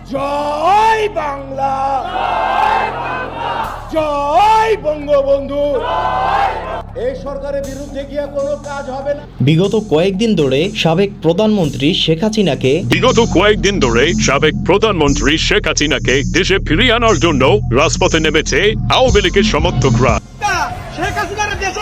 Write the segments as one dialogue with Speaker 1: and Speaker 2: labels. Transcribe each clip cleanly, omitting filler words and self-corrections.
Speaker 1: জয় বাংলা, জয় বঙ্গবন্ধু। এই সরকারের বিরুদ্ধে গিয়ে কোনো কাজ হবে না।
Speaker 2: বিগত কয়েকদিন ধরে সাবেক প্রধানমন্ত্রী শেখ হাসিনাকে দেশে ফিরিয়ে আনার জন্য রাজপথে নেমেছে আওয়ামী লীগের সমর্থকরা।
Speaker 1: শেখ হাসিনার দেশে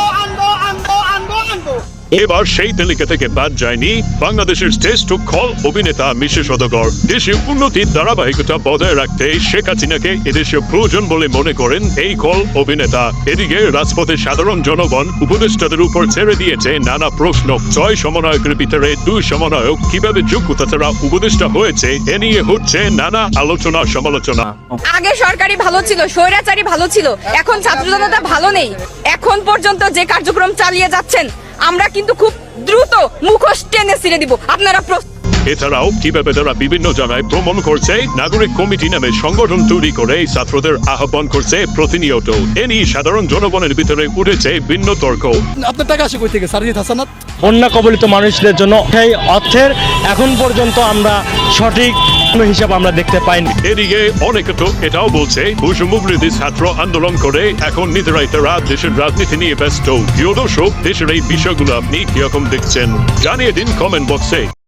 Speaker 1: আনবো।
Speaker 2: এবার সেই তালিকা থেকে বাদ যায়নি বাংলাদেশের শ্রেষ্ঠ খল অভিনেতা মিশে সওদাগর। দেশের উন্নতির ধারাবাহিকতা বজায় রাখতে শেখ হাসিনাকে এদেশে প্রয়োজন বলে মনে করেন এই খল অভিনেতা। এদিকে রাজপথে সাধারণ জনগণ উপদেষ্টাদের উপর ছেড়ে দিয়েছে নানা প্রশ্ন। 6 সমন্বয়কের ভিতরে 2 সমন্বয়ক কিভাবে যোগ্যতা ছাড়া উপদেষ্টা হয়েছে এ নিয়ে হচ্ছে নানা আলোচনা সমালোচনা।
Speaker 3: আগে সরকারি ভালো ছিল, স্বৈরাচারী ভালো ছিল, এখন ছাত্র জনতা ভালো নেই। এখন পর্যন্ত যে কার্যক্রম চালিয়ে যাচ্ছেন আমরা কিন্তু খুব দ্রুত মুখোশ টেনে ছিঁড়ে দিব। আপনারা
Speaker 2: এছাড়াও কিভাবে তারা বিভিন্ন জায়গায় ভ্রমণ করছে, নাগরিক কমিটি নামে সংগঠন তৈরি করে ছাত্রদের আহ্বান করছে প্রতিনিয়ত। এ নিয়ে সাধারণ জনগণের ভিতরে উঠেছে ভিন্ন তর্ক।
Speaker 4: আপনার টাকা আসে কই থেকে সারজিৎ হাসানাত?
Speaker 5: বন্যা কবলিত মানুষদের জন্য সেই অর্থের এখন পর্যন্ত আমরা সঠিক হিসাব আমরা দেখতে পাইনি।
Speaker 2: এদিকে অনেকে তো এটাও বলছে বৈষম্যবিরোধী ছাত্র আন্দোলন করে এখন নিজেরাই তারা দেশের রাজনীতি নিয়ে ব্যস্ত। প্রিয় দর্শক, দেশের এই বিষয়গুলো আপনি কিরকম দেখছেন জানিয়ে দিন কমেন্ট বক্সে।